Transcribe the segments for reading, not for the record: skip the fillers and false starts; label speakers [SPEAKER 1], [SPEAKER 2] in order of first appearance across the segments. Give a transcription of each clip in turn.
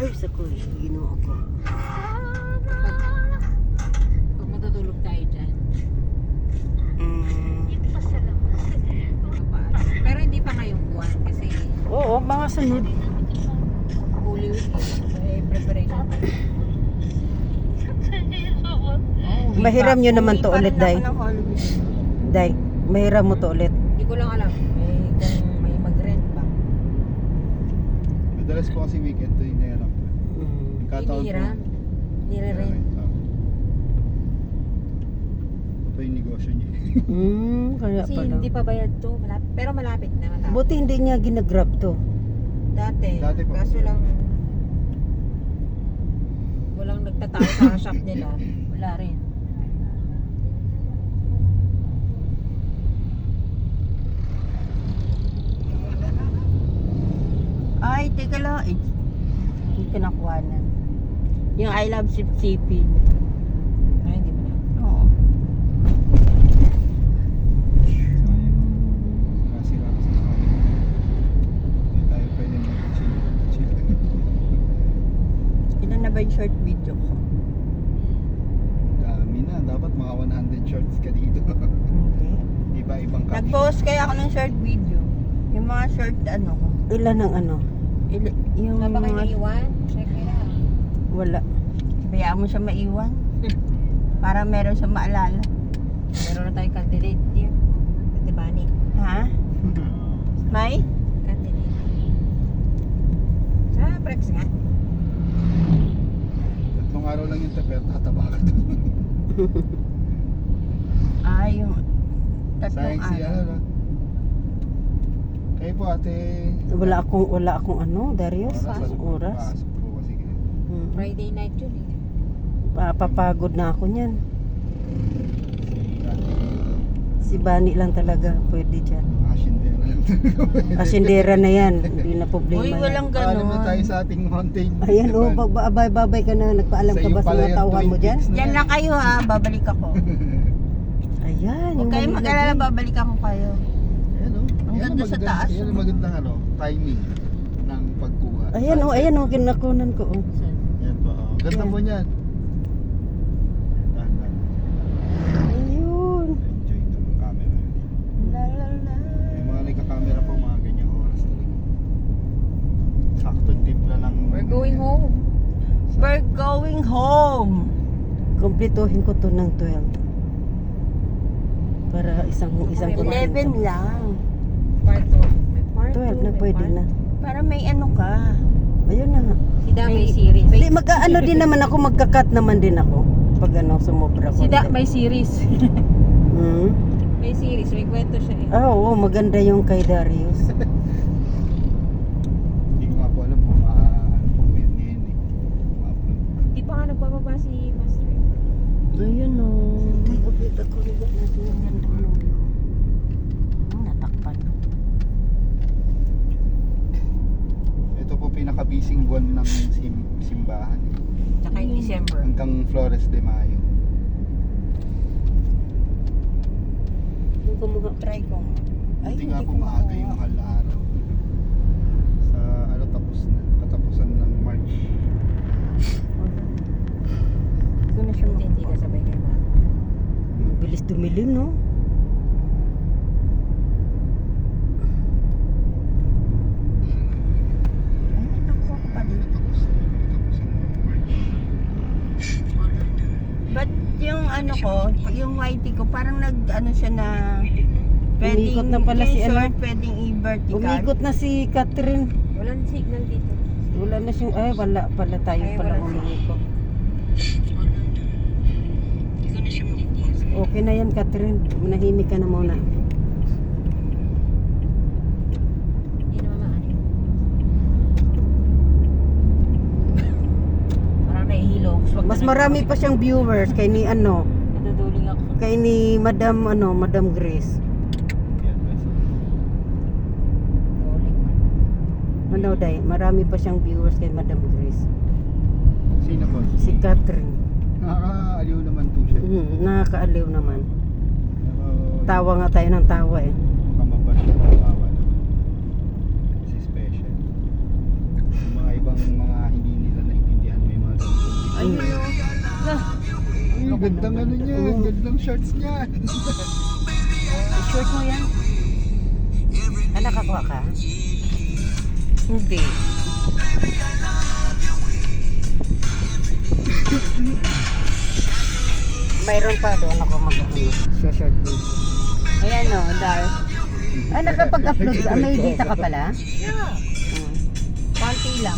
[SPEAKER 1] Ay, sa ko, ginoo ko.
[SPEAKER 2] Pag matutulog tayo dyan. Pero hindi pa ngayong buwan kasi
[SPEAKER 1] Oo, mga sunod.
[SPEAKER 2] Holy Week preparation.
[SPEAKER 1] Mahiram nyo naman to ulit, Day.
[SPEAKER 3] Ng Halloween.
[SPEAKER 1] Day, mahiram mo to ulit.
[SPEAKER 2] Hindi ko lang alam kung may mag-rent ba.
[SPEAKER 4] Madalas po kasi weekend to yung nahirap ko. Yung kataon po.
[SPEAKER 2] Hinihiram. Nire-rent.
[SPEAKER 4] Ito pa yung negosyo niya.
[SPEAKER 1] Kaya
[SPEAKER 2] Kasi
[SPEAKER 1] pala.
[SPEAKER 2] hindi pa bayad to. Pero malapit na. Matapos.
[SPEAKER 1] Buti hindi niya ginagrab to.
[SPEAKER 2] Dati.
[SPEAKER 4] Dati pa.
[SPEAKER 2] Kaso lang walang nagtatao sa shop nila. Wala rin.
[SPEAKER 3] Ay, teka lang. Yung pinakuhanan. Yung I love sip-sipin.
[SPEAKER 2] Ay, hindi mo na.
[SPEAKER 3] Oo.
[SPEAKER 4] Kasi lang kasi hindi tayo pwede mag-chill.
[SPEAKER 3] Ilan na ba yung short video ko?
[SPEAKER 4] Dami na. Dapat mga 100 shorts ka dito.
[SPEAKER 3] Hindi.
[SPEAKER 4] Iba-ibang caption.
[SPEAKER 3] Nag-post kaya ako ng short video. Yung mga short ano ko.
[SPEAKER 1] Ilan ang ano?
[SPEAKER 3] Yung
[SPEAKER 2] Nga ba kayo
[SPEAKER 3] mga...
[SPEAKER 2] naiwan? Check it out.
[SPEAKER 1] Wala.
[SPEAKER 3] Bayaan mo siya maiwan. Para meron siya maalala.
[SPEAKER 2] Meron na tayong candidate here. Ate Bani.
[SPEAKER 3] Ha? May?
[SPEAKER 2] Candidate. Sa Prex nga.
[SPEAKER 4] Tatlong araw lang yung taper, tataba ka doon.
[SPEAKER 3] Yung tatlong
[SPEAKER 4] Sayang si
[SPEAKER 3] araw.
[SPEAKER 4] ano. Kayo po ate.
[SPEAKER 1] Wala akong ano, Darius. Oras.
[SPEAKER 4] Pasok po kasi kayo.
[SPEAKER 2] Friday night yun eh.
[SPEAKER 1] Papagod na ako niyan.
[SPEAKER 4] Ate,
[SPEAKER 1] Si Bani lang talaga pwede dyan.
[SPEAKER 4] asindera lang talaga.
[SPEAKER 1] Asindera na yan. Hindi na problema
[SPEAKER 3] Uy,
[SPEAKER 1] yan.
[SPEAKER 3] walang
[SPEAKER 4] Alam na tayo
[SPEAKER 3] ganon.
[SPEAKER 4] sa ating mountain.
[SPEAKER 1] Ayan, babay-babay ka na. Nagpaalam ka
[SPEAKER 4] Sa'yo
[SPEAKER 1] ba sa
[SPEAKER 4] pala
[SPEAKER 1] mga
[SPEAKER 4] yung
[SPEAKER 1] tauhan mo
[SPEAKER 4] Twin
[SPEAKER 1] dyan?
[SPEAKER 4] Peaks na
[SPEAKER 3] Diyan
[SPEAKER 4] yan.
[SPEAKER 3] lang kayo ha, babalik ako.
[SPEAKER 1] Ayan.
[SPEAKER 3] Huwag kayong
[SPEAKER 1] maliit na
[SPEAKER 3] mag-alala,
[SPEAKER 1] view.
[SPEAKER 3] babalik ako kayo.
[SPEAKER 4] Ayan o.
[SPEAKER 3] Ang ganda sa taas,
[SPEAKER 4] Yan
[SPEAKER 3] oh.
[SPEAKER 4] ang magandang ano, timing ng pagkuha.
[SPEAKER 1] Ayan o, kinakunan ko. Oh.
[SPEAKER 4] Yan po. Oh. Ganda
[SPEAKER 1] Yan.
[SPEAKER 4] po niyan. Dahan-dahan.
[SPEAKER 1] Ayun.
[SPEAKER 4] Enjoy ng camera.
[SPEAKER 3] La la la.
[SPEAKER 4] Yung mga nagka-camera po, mga ganyang oras talaga. Saktong timpla lang.
[SPEAKER 2] We're going home.
[SPEAKER 3] We're going home.
[SPEAKER 1] Kumpletuhin ko to ng 12. Para isang
[SPEAKER 2] Okay,
[SPEAKER 1] kumpleto.
[SPEAKER 3] 11 lang.
[SPEAKER 2] Part 2. May part
[SPEAKER 1] 12 na
[SPEAKER 2] 2.
[SPEAKER 1] pwede na.
[SPEAKER 3] Para may ano ka.
[SPEAKER 1] Ayun na nga.
[SPEAKER 2] Si Da may
[SPEAKER 3] May-
[SPEAKER 2] series.
[SPEAKER 1] Hindi, mag-ano din naman ako, magka-cut naman din ako. Pag ano, sumobra ko.
[SPEAKER 2] Si Da may series.
[SPEAKER 1] Hmm?
[SPEAKER 2] May series. May kwento siya eh.
[SPEAKER 1] Oo, maganda yung kay Darius.
[SPEAKER 4] Hindi ko nga po alam kung ano po ngayon eh. Ma-upload.
[SPEAKER 2] Di pa nga nagbababa si Master.
[SPEAKER 1] Ayun o. Update ako rin natin yung ganda ng view. Natakpan.
[SPEAKER 4] Ito po pinaka-busy buwan ng simbahan.
[SPEAKER 2] Tsaka in December.
[SPEAKER 4] Hanggang Flores de Mayo.
[SPEAKER 1] Yung kumuha.
[SPEAKER 3] Try ko.
[SPEAKER 4] Hindi nga po maaga yung mahal na araw. Sa ano tapos na. Katapusan ng March.
[SPEAKER 3] Hindi ko na siya
[SPEAKER 2] Hindi ka sabay kay Mama.
[SPEAKER 1] Ang bilis dumilim, no?
[SPEAKER 3] Ay, nakuha ko pa dito.
[SPEAKER 4] Katapusan ng March.
[SPEAKER 3] But yung ano ko, yung whitey ko, parang nag-ano siya na
[SPEAKER 1] Umikot na pala si ano.
[SPEAKER 3] short, pwedeng i-vertical.
[SPEAKER 1] Umikot na si Catherine.
[SPEAKER 2] Walang signal dito.
[SPEAKER 1] Wala na siyang, ay wala pala tayo
[SPEAKER 2] Ay,
[SPEAKER 1] pala
[SPEAKER 2] wala
[SPEAKER 1] umikot. Okay na yan, Catherine. Manahimik ka na muna.
[SPEAKER 2] Hindi naman maanin. Parang nahihilo.
[SPEAKER 1] Mas marami pa siyang viewers kay ni ano,
[SPEAKER 2] Naduduling ako.
[SPEAKER 1] kay ni Madam Grace.
[SPEAKER 4] Yan, guys.
[SPEAKER 2] Duling man.
[SPEAKER 1] Ano day, marami pa siyang viewers kay Madam Grace.
[SPEAKER 4] Sino po?
[SPEAKER 1] Si Catherine.
[SPEAKER 4] Nakakaaliw naman po siya.
[SPEAKER 1] Nakakaaliw naman.
[SPEAKER 4] Pero
[SPEAKER 1] Tawa nga tayo ng tawa eh.
[SPEAKER 4] kamabas siya, kawawa naman. Kasi special. Yung mga ibang mga hindi nila gandang ano niya,
[SPEAKER 3] Oo.
[SPEAKER 4] gandang shorts niya.
[SPEAKER 3] Short mo yan? Ah, nakakuha ka? Hindi. Mayroon pa doon ako mag-ano. Short video. Ayan o, Dar. Ah, nakapag-upload ka? May data ka pala?
[SPEAKER 2] Yeah.
[SPEAKER 3] Hmm.
[SPEAKER 2] Konti lang.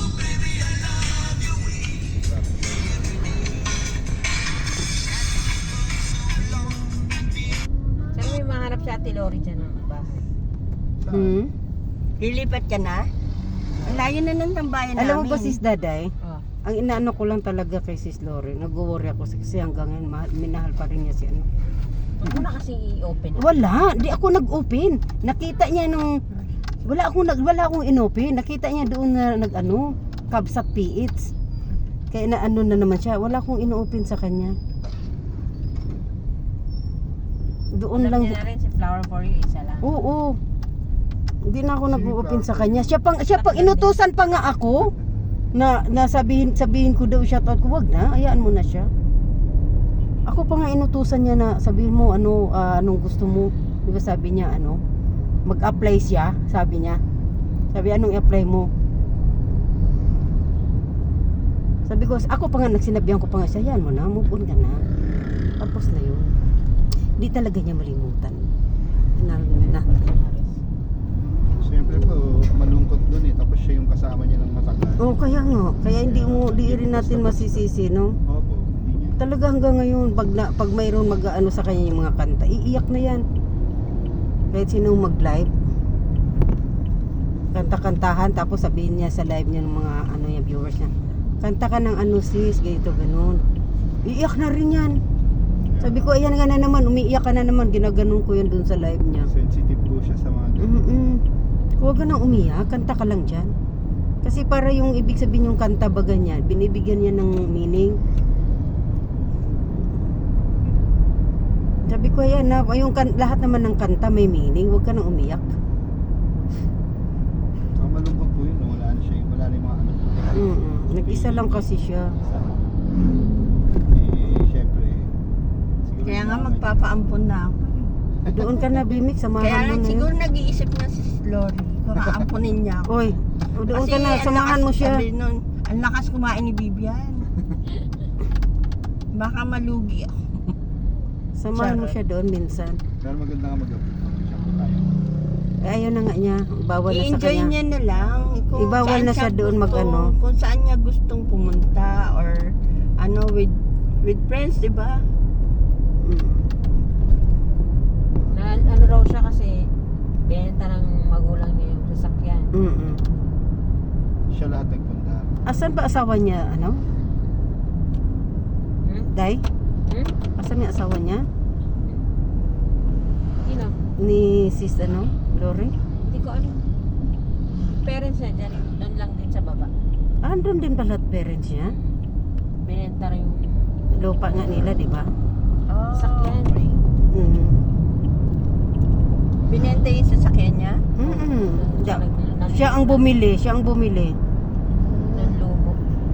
[SPEAKER 2] Saan may mahanap si Ate Lori dyan ng bahay?
[SPEAKER 3] Hmm?
[SPEAKER 1] Lilipat ka na? Ang layo na ng tambayan
[SPEAKER 3] Alam mo
[SPEAKER 1] namin.
[SPEAKER 3] ba sis Daday?
[SPEAKER 2] Oh.
[SPEAKER 3] Ang inaano ko lang talaga kay sis Lori, nag-worry ako kasi hanggang ngayon minahal pa rin niya si ano.
[SPEAKER 2] Huwag mo na kasi i-open.
[SPEAKER 3] Wala, di ako nag-open. Nakita niya nung wala akong inopen. Nakita niya doon na nag-ano, Kabsat PH. Kaya na ano na naman siya, wala akong ino-open sa kanya. Doon
[SPEAKER 2] Alam
[SPEAKER 3] lang.
[SPEAKER 2] niya na rin si Flower for You, isa lang.
[SPEAKER 3] Oo. Hindi na ako nag-open sa kanya. Siya pang inutusan pa nga ako na sabihin ko daw shoutout ko, wag na, hayaan mo na siya. Ako pa nga inutusan niya na sabihin mo anong gusto mo. Di ba sabi niya mag-apply siya, sabi niya. Sabi anong i-apply mo? Sabi ko, ako pa nga nagsinabihan ko pa nga siya, yan mo na, move on ka na. Tapos na yun. Di talaga niya malimutan. Na.
[SPEAKER 4] Siyempre po, malungkot dun eh. Tapos siya yung kasama niya ng matagal.
[SPEAKER 3] Oh, kaya nga. Kaya di rin natin masisisi, no?
[SPEAKER 4] Opo, hindi niya.
[SPEAKER 3] Talaga hanggang ngayon, pag mayroon mag-ano sa kanya yung mga kanta, iiyak na yan. Kahit sinong mag-live, kanta-kantahan, tapos sabihin niya sa live niya ng mga yung viewers niya, kanta ka ng ano sis, ganito, ganun. Iiyak na rin yan. Sabi ko, ayan nga na naman, umiiyak ka na naman, ginaganon ko yan dun sa live niya.
[SPEAKER 4] Sensitive po siya sa mga
[SPEAKER 3] Huwag ka nang umiyak, kanta ka lang dyan. Kasi para yung ibig sabihin yung kanta baga niya, binibigyan niya ng meaning. Sabi ko, ayan na, lahat naman ng kanta may meaning, huwag ka nang umiyak.
[SPEAKER 4] Ang malungkot po yun, wala na siya, wala na yung mga anak ko.
[SPEAKER 3] Nag-isa lang kasi siya.
[SPEAKER 4] Siyempre, siguro
[SPEAKER 1] Kaya
[SPEAKER 4] yung
[SPEAKER 1] nga
[SPEAKER 4] mga-
[SPEAKER 1] magpapaampon na ako.
[SPEAKER 3] Doon ka na, Bimik,
[SPEAKER 1] Kaya
[SPEAKER 3] samahan mo
[SPEAKER 1] lang
[SPEAKER 3] na
[SPEAKER 1] siguro
[SPEAKER 3] yun.
[SPEAKER 1] nag-iisip na si Lori kung aampunin niya ako.
[SPEAKER 3] Oy, doon ka na,
[SPEAKER 1] ang
[SPEAKER 3] samahan
[SPEAKER 1] lakas-
[SPEAKER 3] mo siya.
[SPEAKER 1] Sabi nun, ang lakas kumain ni Bibian. Baka malugi ako.
[SPEAKER 3] Samahan mo
[SPEAKER 1] Charot.
[SPEAKER 3] siya doon minsan.
[SPEAKER 4] Pero maganda nga mag-upload naman siya kung kaya.
[SPEAKER 3] Eh, ayaw na nga niya, bawal na sa
[SPEAKER 1] I-enjoy
[SPEAKER 3] kanya.
[SPEAKER 1] niya na lang. Kung
[SPEAKER 3] Ibawal
[SPEAKER 1] saan
[SPEAKER 3] na siya doon mag-ano.
[SPEAKER 1] Kung saan niya gustong pumunta or with friends, di ba?
[SPEAKER 2] Na, ano raw siya kasi binenta ng magulang niya yung sasakyan.
[SPEAKER 4] Siya lahat nagpunta.
[SPEAKER 3] Asan ba asawa niya,
[SPEAKER 2] Hmm?
[SPEAKER 3] Day?
[SPEAKER 2] Hmm?
[SPEAKER 3] Asan yung asawa niya?
[SPEAKER 2] Sino?
[SPEAKER 3] Ni sis, Lori?
[SPEAKER 2] Hindi ko alam. Parents niya dyan, doon lang din sa baba.
[SPEAKER 3] Andun din pala at parents niya.
[SPEAKER 2] Binenta rin yung
[SPEAKER 3] Lupa nga nila, di ba?
[SPEAKER 1] Oh,
[SPEAKER 2] sasakyan.
[SPEAKER 1] Binenta yung sasakyan niya?
[SPEAKER 3] Siya ang bumili,
[SPEAKER 2] Ng lumo.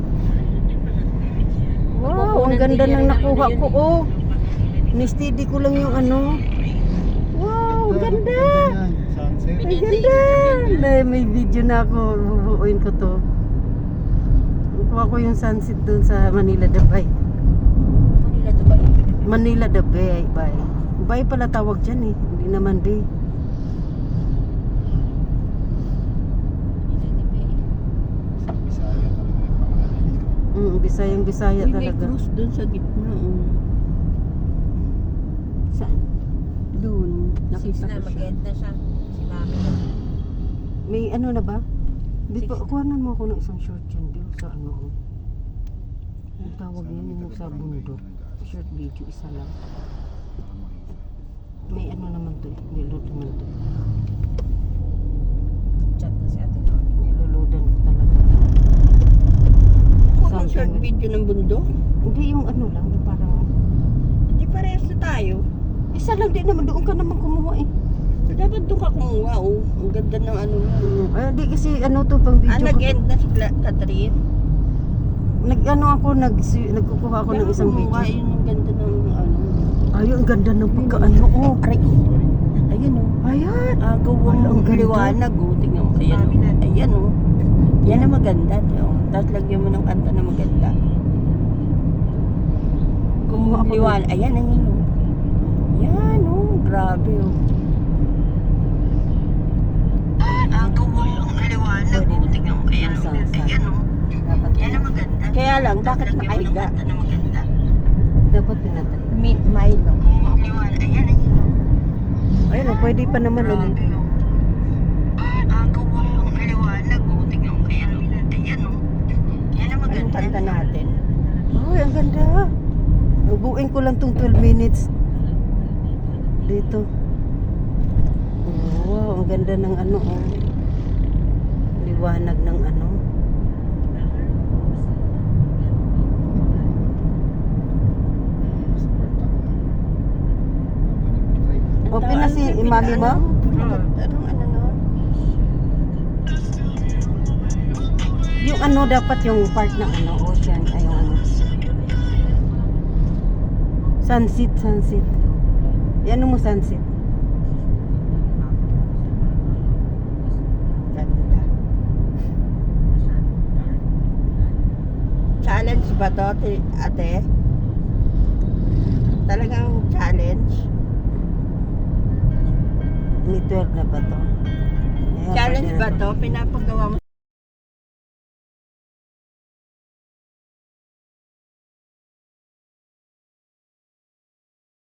[SPEAKER 3] Wow, ang ganda ng nakuha ko. Oh, ni-steady ko lang yung Wow, ang ganda.
[SPEAKER 4] Sunset.
[SPEAKER 3] Ang ganda. May video na ako, bubuuin ko to. Kuha ko yung sunset dun sa Manila the Bay.
[SPEAKER 2] Manila to ba yun?
[SPEAKER 3] Manila the Bay. Bay pala tawag dyan eh. Hindi naman Bay.
[SPEAKER 4] Bisaya talaga yung pangalan.
[SPEAKER 3] Bisayang Bisaya
[SPEAKER 1] Uy, may
[SPEAKER 3] talaga.
[SPEAKER 1] cruise dun sa gitna. Oh.
[SPEAKER 3] Saan?
[SPEAKER 1] Doon.
[SPEAKER 2] Six
[SPEAKER 1] Nakita
[SPEAKER 2] na,
[SPEAKER 1] ko siya.
[SPEAKER 2] mag-end na siya. Si mami.
[SPEAKER 3] May na ba? Di pa,
[SPEAKER 2] Six.
[SPEAKER 3] kuhanan mo ako ng isang short yan, Bill, sa Ang tawag niya yung sa bundok. Short video, isa lang. May naman to eh. May load naman to.
[SPEAKER 2] Chat na si Ate Lori.
[SPEAKER 3] Niloloadan ko talaga.
[SPEAKER 1] Kung
[SPEAKER 3] Something
[SPEAKER 1] short
[SPEAKER 3] with-
[SPEAKER 1] video ng bundok,
[SPEAKER 3] Hindi yung lang, yung parang...
[SPEAKER 1] hindi parehas na tayo.
[SPEAKER 3] Isa lang din naman, doon ka naman kumuha eh.
[SPEAKER 1] Dapat doon ka kumuha, oh. Ang ganda ng mo.
[SPEAKER 3] Di kasi to pang video ko.
[SPEAKER 1] Nag-end na si Catherine.
[SPEAKER 3] Nagkukuha ako ng isang video.
[SPEAKER 1] Yun ang ganda ng
[SPEAKER 3] Ay, ang ganda ng pagkaano. Oh,
[SPEAKER 1] Aray, ayan o.
[SPEAKER 3] ayan.
[SPEAKER 1] Agaw
[SPEAKER 3] Wala, ang
[SPEAKER 1] ang
[SPEAKER 3] ganda.
[SPEAKER 1] liwanag o. Tingnan mo. Ayan o. Ayan o. Yan ang maganda. O. Tapos lagyan mo ng kanta na maganda.
[SPEAKER 3] Kumuha ako.
[SPEAKER 1] Liwanag. Ayan, ayan o. Yan o. Grabe o. Agaw ang liwanag o. Tingnan mo. Ayan o. Ayan o.
[SPEAKER 2] Dapat
[SPEAKER 1] Yan ang maganda. Kaya lang, bakit nakahiga?
[SPEAKER 2] dapat pinatay.
[SPEAKER 1] Milo. Liwanag. Ayan, ayan o.
[SPEAKER 3] Ayun, oh, pwede pa naman ulit.
[SPEAKER 1] Agaw ang liwanag o. Tingnan mo. Ayan o. Ayan o. Yan ang maganda. Anong kanta natin?
[SPEAKER 3] Ay, ang ganda. Buuin ko lang tong 12 minutes. Dito. Oh, wow, ang ganda ng ano, oh. Liwanag ng ano. Open na si mami mo?
[SPEAKER 1] Anong ano no?
[SPEAKER 3] Yung ano dapat yung part ng ano, ocean, ay yung ano. Sunset, sunset. Yan mo sunset.
[SPEAKER 1] Ganda. Challenge ba to, ate? Talagang challenge?
[SPEAKER 3] May 12 na ba to? Ayan,
[SPEAKER 1] Challenge
[SPEAKER 3] pwede na
[SPEAKER 1] ba to? Pinapagawa mo